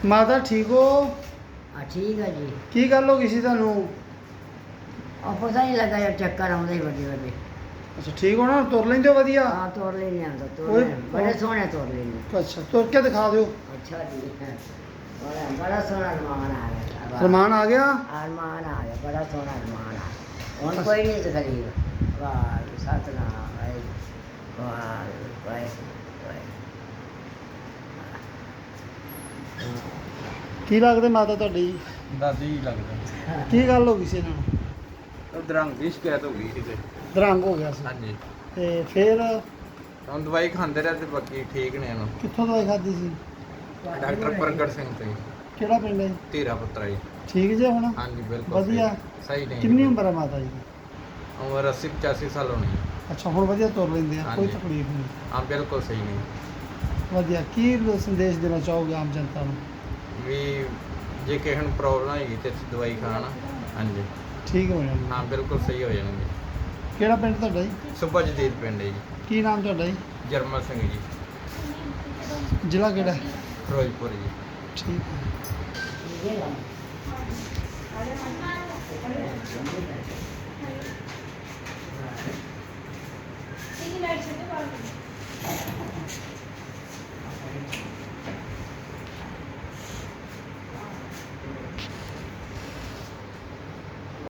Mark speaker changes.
Speaker 1: ਮਾਤਾ ਠੀਕ ਹੋ?
Speaker 2: ਠੀਕ ਹੈ ਜੀ।
Speaker 1: ਕੀ ਗੱਲ ਹੋ ਗਈ ਸੀ ਤੁਹਾਨੂੰ?
Speaker 2: ਉਹ ਪਤਾ ਨਹੀਂ ਲੱਗਾ ਯਾਰ, ਚੱਕਰ ਆਉਂਦੇ ਹੀ ਵੱਡੇ ਵੱਡੇ।
Speaker 1: ਅੱਛਾ ਠੀਕ ਹੋ ਨਾ? ਤੁਰ ਲੈਂਦੇ ਹੋ ਵਧੀਆ?
Speaker 2: ਹਾਂ ਤੋੜ ਲੈਣੇ ਆਂਦਾ, ਤੋੜ
Speaker 1: ਓਏ,
Speaker 2: ਲੈਂਦੇ, ਬੜੇ ਸੋਹਣੇ ਤੋੜ ਲੈਣੇ।
Speaker 1: ਅੱਛਾ ਤੁਰ ਕੇ ਦਿਖਾ ਦਿਓ।
Speaker 2: ਅੱਛਾ ਜੀ। ਬੜਾ ਸੋਹਣਾ ਅਰਮਾਨ ਆ ਗਿਆ।
Speaker 1: ਰਮਾਨ ਆ ਗਿਆ?
Speaker 2: ਅਰਮਾਨ ਆ ਗਿਆ, ਬੜਾ ਸੋਹਣਾ ਅਰਮਾਨ ਆ ਗਿਆ। ਹੁਣ ਕੋਈ ਨਹੀਂ ਤਕਲੀਫ। ਵਾਹ ਸਤਨਾਮ ਵਾਹਿਗੁਰੂ, ਵਾਹ ਵਾਹਿਗੁਰੂ।
Speaker 1: ਕੀ ਲੱਗਦੇ ਮਾਤਾ ਤੁਹਾਡੀ?
Speaker 3: ਦਾਦੀ ਹੀ ਲੱਗਦਾ।
Speaker 1: ਕੀ ਗੱਲ ਹੋ ਗਈ ਸੀ ਇਹਨਾਂ ਨੂੰ?
Speaker 3: ਉਹ ਦਰੰਗ ਦੀ ਸ਼ਿਕਾਇਤ ਹੋ ਗਈ ਸੀ ਤੇ
Speaker 1: ਦਰੰਗ ਹੋ ਗਿਆ ਸੀ
Speaker 3: ਹਾਂਜੀ,
Speaker 1: ਤੇ ਫਿਰ
Speaker 3: ਹੁਣ ਦਵਾਈ ਖਾਂਦੇ ਰਹੇ ਤੇ ਬਾਕੀ ਠੀਕ ਨੇ ਇਹਨੂੰ।
Speaker 1: ਕਿੱਥੋਂ ਦਵਾਈ ਖਾਧੀ ਸੀ?
Speaker 3: ਡਾਕਟਰ ਪ੍ਰਗਟ ਸਿੰਘ ਤੋਂ ਜੀ,
Speaker 1: ਕਿਹੜਾ ਪਿੰਡ ਹੈ?
Speaker 3: ਧੀਰਾ ਪੁੱਤਰਾ ਜੀ।
Speaker 1: ਠੀਕ ਜੇ ਹੁਣ?
Speaker 3: ਹਾਂਜੀ ਬਿਲਕੁਲ
Speaker 1: ਵਧੀਆ।
Speaker 3: ਸਹੀ ਨਹੀਂ।
Speaker 1: ਕਿੰਨੀ ਉਮਰ ਹੈ ਮਾਤਾ ਜੀ ਦੀ?
Speaker 3: ਉਮਰ 80 85 ਸਾਲ ਹੋਣੀ ਹੈ।
Speaker 1: ਅੱਛਾ ਹੁਣ ਵਧੀਆ ਤੁਰ ਲੈਂਦੇ ਆ, ਕੋਈ
Speaker 3: ਹਾਂਜੀ।
Speaker 1: ਤਕਲੀਫ ਨਹੀਂ?
Speaker 3: ਹਾਂ ਬਿਲਕੁਲ ਸਹੀ ਨਹੀਂ।
Speaker 1: ਵਧੀਆ। ਕੀ ਸੰਦੇਸ਼ ਦੇਣਾ ਚਾਹੋਗੇ ਆਮ ਜਨਤਾ ਨੂੰ?
Speaker 3: ਵੀ ਜੇ ਕਿਸੇ ਨੂੰ ਪ੍ਰੋਬਲਮ ਹੈਗੀ ਤੇ ਦਵਾਈ ਖਾਣ। ਹਾਂਜੀ
Speaker 1: ਠੀਕ ਹੋ ਜਾਣਗੇ?
Speaker 3: ਹਾਂ ਬਿਲਕੁਲ ਸਹੀ ਹੋ ਜਾਣਗੇ।
Speaker 1: ਕਿਹੜਾ ਪਿੰਡ ਤੁਹਾਡਾ ਜੀ?
Speaker 3: ਸੁਭਾ ਜਦੀਦ ਪਿੰਡ ਹੈ ਜੀ।
Speaker 1: ਕੀ ਨਾਮ ਤੁਹਾਡਾ ਜੀ?
Speaker 3: ਜਰਮਲ ਸਿੰਘ ਜੀ,
Speaker 1: ਜ਼ਿਲ੍ਹਾ ਕਿਹੜਾ?
Speaker 3: ਫਿਰੋਜ਼ਪੁਰ ਜੀ।
Speaker 1: ਠੀਕ ਹੈ।
Speaker 4: Ini dari situ kalau